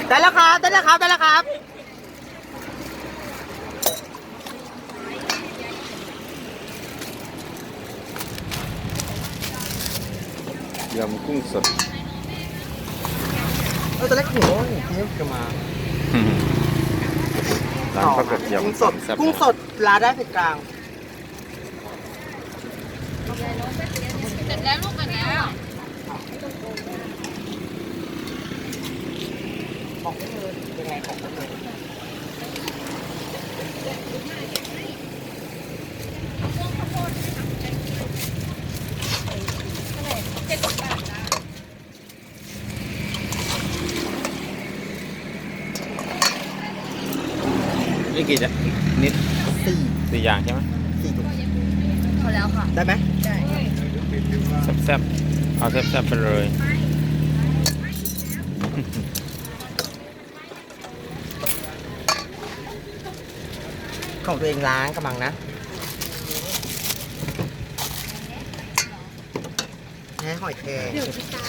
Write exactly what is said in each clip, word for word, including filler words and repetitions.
ได้แล้วครับได้แล้วครับได้แล้วครับยำกุ้งสดเออตัวเล็กหัวนี่จะมาร้านประกบยำกุ้งสดแซ่บกุ้งสดร้านได้เผ็ดกลางเสร็จแล้วลูกกันแล้วของไม่เลยยังไงของไม่เลยนี่กี่จะนิดสี่สี่อย่างใช่ไหมสี่ถุงพอแล้วค่ะได้ไหมได้แซ่บๆเอาแซ่บๆไปเลยของตัวเองล้างกำลังนะแค่หอยแครงเดี๋ยวพี่ตา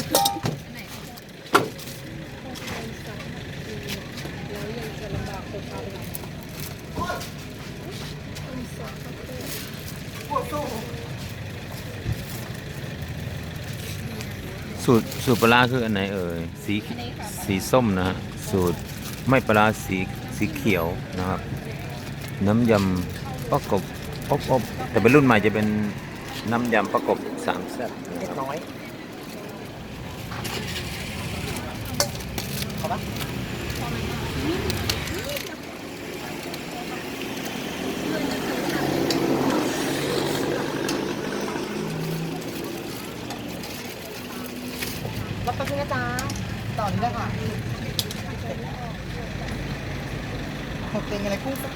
สูตรสูตรปลาร้าคืออันไหนเอ่ยสีสีส้มนะฮะสูตรไม่ปลาร้าสีสีเขียวนะครับน้ำยำประกบอบอบแต่เป็นรุ่นใหม่จะเป็นน้ำยำประกบสามแซ่บเล็กน้อยเอาปะรับไปพี่นะจ๊ะต่อนี้แล้วค่ะหกเป็นอะไรกุ้งสด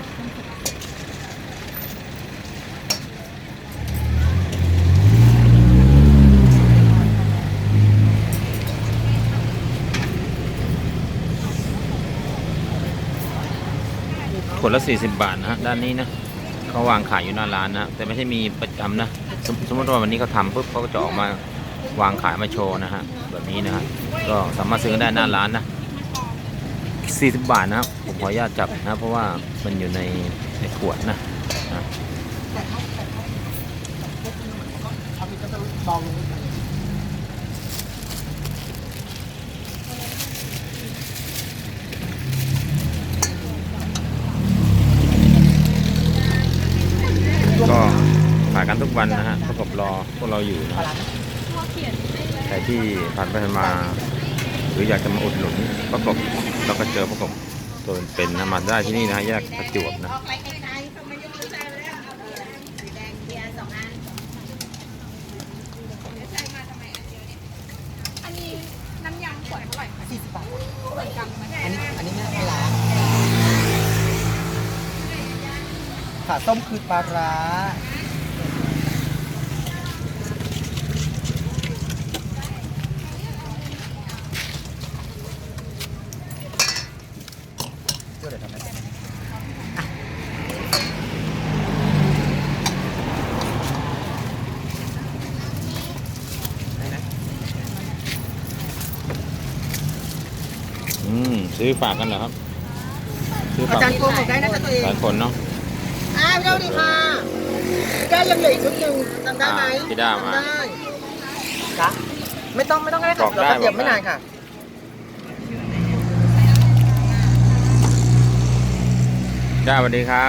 ขวดละสี่สิบบาทนะฮะด้านนี้นะเขาวางขายอยู่หน้าร้านนะแต่ไม่ใช่มีประจำนะสมสมมติว่าวันนี้เขาทำปุ๊บเขาก็จะออกมาวางขายมาโชว์นะฮะแบบนี้นะฮะก็สามารถซื้อได้หน้าร้านนะสี่สิบบาทนะครับผมขออนุญาตจับนะเพราะว่ามันอยู่ในในขวดนะนะเอาไปก็จะเบาลงก็ขายกันทุกวันนะฮะประกบรอพวกเราอยู่นะใครที่ผ่านไปผ่านมา หรืออยากจะมาอุดหนุนประกบเราก็เจอประกบตัวเป็นๆนะมาได้ที่นี่นะแยกประจวบนะอันนี้น้ำยำขวดเท่าไหร่คะสี่สิบบาทขวดกำมันอันนี้อันนี้ไม่ไม่ล้างขาส้มคือปลาร้าเดี๋ยวทำไมอ่ะอืมซื้อฝากกันเหรอครับซื้ออาฝากจารย์โกงหมดได้นะจ๊ะตัวเองหลายคนเนาะอ้าวเจ้าดีค่ะได้ยังเหลืออีกชุดหนึ่งจำได้ไหมอ่าที่ได้มาจำได้จ้ะไม่ต้องไม่ต้องก็ได้ค่ะบอกได้เราก็เตรียมบอกได้ไม่นานค่ะจ้าสวัสดีครับ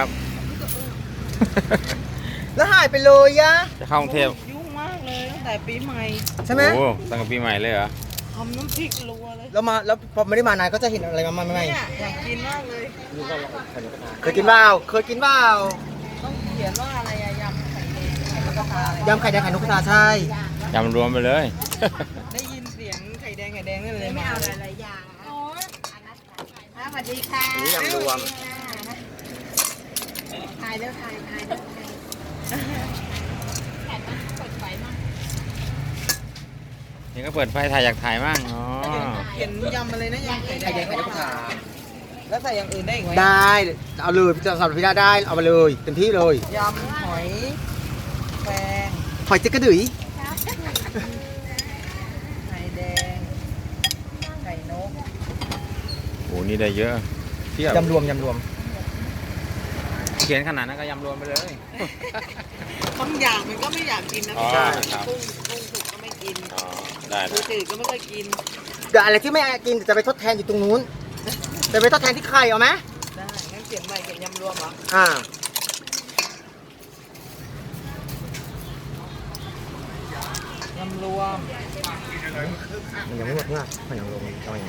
แล้วหายไปเลยยะจะเข้ากรุงเทพยุ่งมากเลยตั้งแต่ปีใหม่ใช่ไหมโอ้ตั้งแต่ปีใหม่เลยเหรอทำน้ำพริกรัวเลยแล้วมาแล้วพอไม่ได้มานานก็จะเห็นอะไรมาใหม่เนี่ยอยากกินมากเลยๆเคยกินเปล่าเคยกินเปล่าต้องเขียนว่าอะไรอะยำไข่แดงไข่นกกระทาอะไรยำไข่แดงไข่นกกระทาใช่จำรวมไปเลยได้ยินเสียงไข่แดงไข่แดงนั่นเลยไม่เอาหลายๆอย่างโอ้ยสวัสดีค่ะนี่ยำรวมถ่ายแล้วถ่ายถ่ายแล้วถ่ายแผ่นมาเปิดไฟมานี่ก็เปิดไฟถ่ายอยากถ่ายมั่งอ๋อเห็นยำอะไรนะยำไข่แดไข่งแดงไข่นกกระทาแล้วใส่อย่างอื่นได้อีกไหมได้เอาเลยพี่จะสำหรับพี่ดาได้เอามาเลยเต็มที่เลยยำหอยแครงหอยเจ๊กกระดือยไข่แดงไข่นกนี่ได้เยอะเทียบยำรวมยำรวมเขียนขนาดนั้นก็ยำรวมไปเลยบางอย่างมันก็ไม่อยากกินนะอ๋อพี่ครับกุ้งกุ้งสุกก็ไม่กินอ๋อได้ปูได้จืดก็ไม่ค่อยกินเดี๋ยวอะไรที่ไม่กินเดี๋ยวจะไปทดแทนอยู่ตรงนู้นจะไปทดแทนที่ไข่เอาไหมได้งั้นเขียนใหม่เขียนยำรวมเหรออ่ายำรวมมันยังไม่หมดเนี่ยมันยังรวมเอาอย่างนี้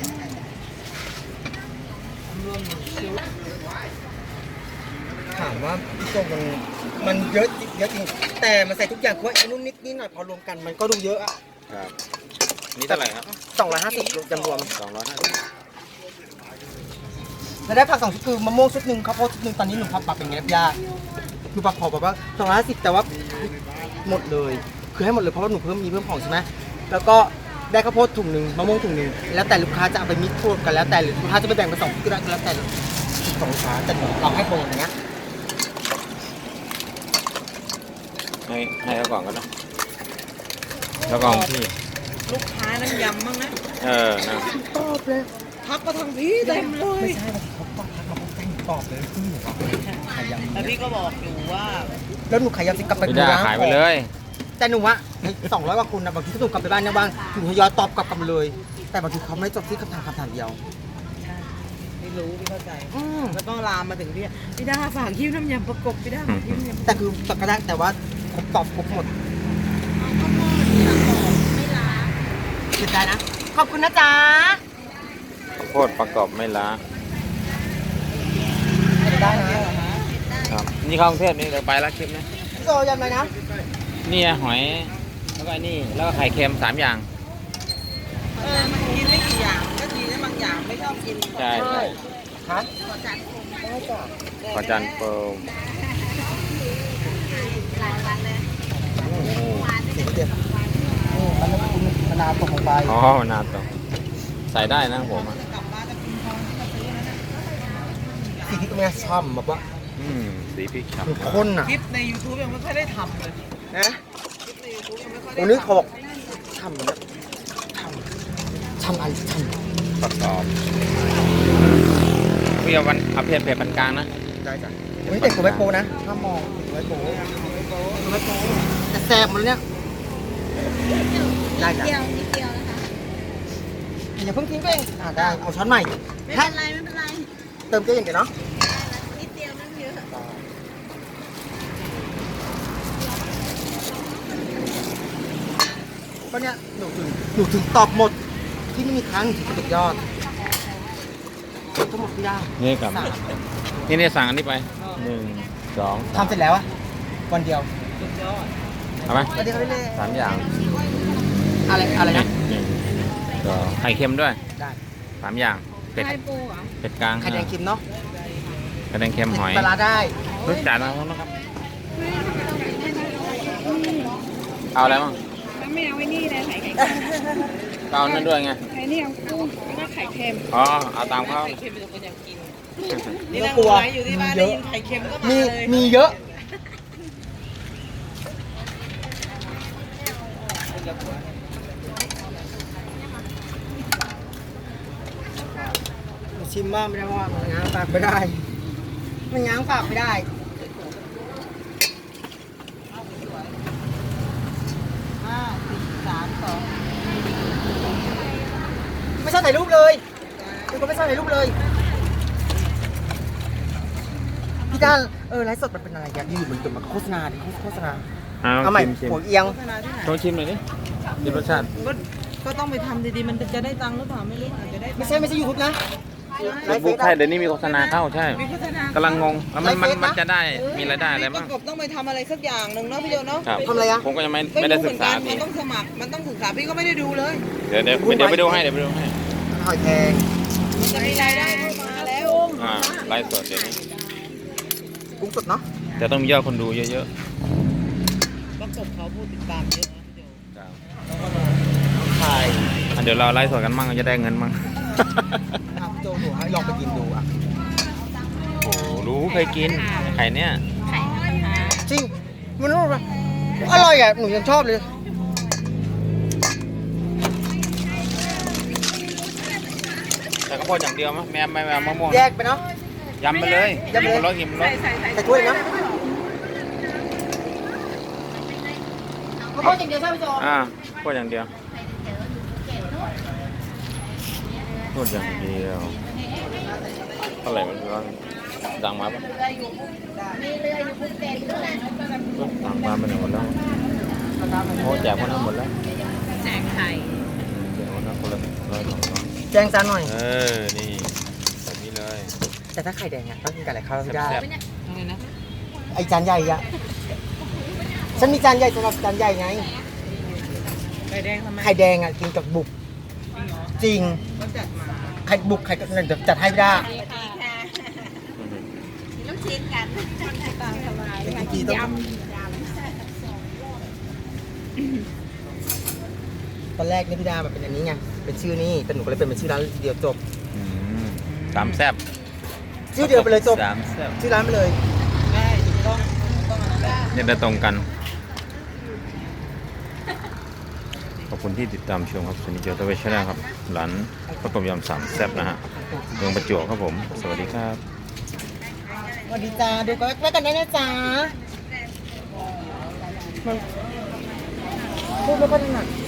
ยำรวมหนึ่งชิ้นถามว่าพี่โจมันมันเยอะจริงเยอะจริงแต่มันใส่ทุกอย่างเพราะไอ้นู่นนิดนิดหน่อยพอรวมกันมันก็ดูเยอะอะครับนี่เท่าไหร่ครับสองร้อยห้าสิบยำรวมสองร้อยห้าสิบแล้วได้ผักสองชุดคือมะม่วงชุดหนึ่งข้าวโพดชุดหนึ่งตอนนี้หนูพับปรับเป็นไงครับย่าคือปรับขอแบบว่าสองร้อยห้าสิบแต่ว่าหมดเลย คือให้หมดเลยเพราะว่าหนูเพิ่มมีเพิ่มของใช่ไหมแล้วก็ได้ข้าวโพดถุงหนึ่งมะม่วงถุงหนึ่งแล้วแต่ลูกค้าจะเอาไปมิกซ์รวมกันแล้วแต่หรือลูกค้าจะไปแบ่งเป็นสองชุดก็ได้ก็แล้วแต่สองลูกค้าแต่หนูเราให้โปรอย่างเงี้ยให้ให้เขาก่อนก็ได้แล้วก็ของพี่ลูกค้านั่งยำบ้างนะเออนะตอบเลยทักมาทางพี่เต็มเลยไม่ใช่บางทีเขาตอบทักมาเขาแต่งตอบเลยที่หนูขายยำแล้วพี่ก็บอกอยู่ว่าแล้วหนูขายยำจะกลับไปไม่ได้ร้นขายไปเลยแต่หนูว่าสองร้อยกว่าคุณนะบางทีถ้าหนูกลับไปบ้านเนี่ยบ้างหนูทยอยตอบกลับกันเลย แต่บางทีเขาไม่จบที่คำถามคำถามเดียวใช่ไม่รู้พี่เข้าใจอืมแล้วก็ลามมาถึงพี่พี่ดาฝากคิ้วน้ำยำประกบพี่ดาฝากคิ้วน้ำยำแต่คือตอบก็ได้แต่ว่าครบตอบครบหมดไม่ล้าเสียใจนะขอบคุณนะจ๊ะข้าวโพดประกอบไม่ล้าได้นะครับนี่เข้ากรุงเทพนี่เดี๋ยวไปแล้วคลิปนะพี่โซยำอะไรนะนี่หอยแล้วก็ไอ้นี่แล้วก็ไข่เค็มสามอย่างเออมันกินไม่กี่อย่างก็ดีนะบางอย่างไม่ชอบกินใช่ใช่ฮะได้จ้ะขอจันเปิลหลายวันเลยเสียงเจ็บนี่มันไม่คุ้นมะนาวตกลงไปอ๋อมะนาวตกใส่ได้นะผมอะจะกลับบ้านจะกินทองที่มาซื้อนะสีที่ตรงเนี้ยช่ำแบบว่าอืมสีพริกฉ่มันข้นอ่ะคลิปใน YouTube ยังไม่ค่อยได้ทำเลยนะคลิปใน YouTube ยังไม่ค่อยได้วันนี้เขาทำบอกช่ำแบบช่ำช่ำอะไรช่ำประกอบพี่เอาวันเอาเผ็ดเผ็ดปานกลางนะำได้จ้ะวันนี้แต่งตัวไว้โปนะห้ามมองไว้โปไว้โปแต่แสบหมดเลยเนี่ยได้จ้ะเดียวนิดเดียวนะคะอย่าเพิ่งทิ้งไปเองอ่าได้เอาช้อนใหม่ไม่เป็นไรไม่เป็นไรเติมเกลืออย่างเดียวเนาะนิดเดียวนั่งเยอะก็เนี่ยหนูถึงหนูถึงตอบหมดที่ไม่มีครั้งถึงสุดยอดทั้งหมดที่ได้นี่กลับสามนี่เนี่ยสั่งอันนี้ไปหนึ่งสองทำเสร็จแล้วอะวันเดียวสุดยอดเอาไหมวันเดียวเขาไปเลยสามอย่างอะไรอะไรนะหนึ่งสองไข่เค็มด้วยได้สามอย่างเป็ดไข่ปูเหรอเป็ดกลางไข่แดงเค็มเนาะไข่แดงเค็มหอยปลาร้าได้รู้จักนะครับเอาอะไรบ้างแล้วไม่เอาไอ้นี่เลยไข่ไข่เอานั่นด้วยไงไข่นี่เอากุ้งแล้วก็ไข่เค็มอ๋อเอาตามเขาไข่เค็มเป็นคนอยากกินไม่นี่ต้อนั่งงกลัวไลฟ์อยู่ที่บ้านมีเยได้อะยินไข่เค็มก็มามีเลยมีเยอะชิมบ้างไม่ได้เพราะว่ามันง้างปากไม่ได้มันง้างปากไม่ได้ห้าสี่สามสองไม่ชอบถ่ายรูปเลยคือก็ไม่ชอบถ่ายรูปเลยพี่ด้านเออไลฟ์สดมันเป็นอะไรอย่างอยู่เหมือนกับมาโฆษณาดิโฆษณาเอาเอาใหม่ชิมชิมหัวเอียงโฆษณาที่ไหนโชว์ชิมหน่อยดิชิมรสชาติก็ก็ต้องไปทำดีๆ มันจะได้ตังค์หรือเปล่าไม่รู้อาจจะได้ตังค์ไม่ใช่ไม่ใช่ยูทูบนะเฟซบุ๊กใช่เดี๋ยวนี้มีโฆษณาเข้าใช่มีโฆษณากำลังงงแล้วมันมันไลฟ์เฟซนะมันจะได้มีรายได้อะไรปบ้างระกบต้องไปทำอะไรสักอย่างหนึ่งเนาะพี่โยเนาะครับทำอะไรอะผมก็ยังไม่ไม่ไม่ได้รู้เหศึมืกอนษากันดีมันต้องสมัคร มันต้องศึกษาพี่ก็ไม่ได้ดูเลยเดี๋ยวเดี๋ยวเดี๋ยวไปดูให้เดี๋ยวไปดูให้หอยแครงมันจะมีรายได้เข้ามาแล้วอ่าไลฟ์สดเดี๋ยวนี้กุ้งสดเนาะจะต้องมียอดคนดูเยอะประกบเขาพูดติดตามเยอะนะพี่โยๆครับถ่ายอ่ะเดี๋ยวเราไลฟ์สดกันมั่งจะได้เงินมั่งอ่ะพี่โจดูให้ลองไปกินดูอ่ะโอ้โหรู้เคยกินไข่เนี่ยไข่ห้าห้าจริงมันอร่อยอร่อยอ่ะหนูยังชอบเลยแต่ข้าวโพดอย่างเดียวมั้ยแม่ไม่เอามะม่วงแยกไปเนาะยำไปเลยยำไปเลยอิ่มรสอิ่มรสใส่ใส่ใส่ถ้วยนะข้าวโพดอย่างเดียวใช่ไหมโจอ่าข้าวโพดอย่างเดียวข้าวโพดอย่างเดียวเท่าไหร่มันร้อนดังมาปะมีเรืออยู่ภูเก็ตด้วยดังมาไปไหนหมดแล้วโอ้แจกคนนั้นหมดแล้วแจกไข่แจกคนนั้นคนละร้อยสองร้อยแจ้งจานหน่อยเออนี่แบบนี้เลยแต่ถ้าไข่แดงอ่ะต้องกินกับอะไรข้าวไม่ได้แซ่บอะไรนะไอจานใหญ่อะฉันมีจานใหญ่สำหรับจานใหญ่ไงไข่แดงทำไมไข่แดงอ่ะกินกับบุกจริงเหรอจริงก็จัดมาไข่บุกไข่กับเดี๋ยวจัดให้ไม่ได้ดีค่ะมีลูกชิ้นกันตามสบายเมื่อกี้ต้อง ตอนแรกเนี่ยพี่ดาแบบเป็นอันนี้ไง เป็นชื่อนี่แต่หนูก็เลยเป็นเป็นชื่อร้านเดียวจบอืมสามแซ่บชื่อเดียวไปเลยจบสามแซ่บชื่อร้านไปเลยได้ถูกต้องถูกต้องอันนั้นแหละเนี่ยได้ตรงกัน ขอบคุณที่ติดตามชมครับสนิทเจอตัวเวชนะครับ ร้านข้าวต้มยำสามแซ่บนะฮะเมืองประจวบครับผม สวัสดีครับสวัสดีจ้าดูกันไว้กันได้นะจ้ามันพูดไม่ค่อยถนัด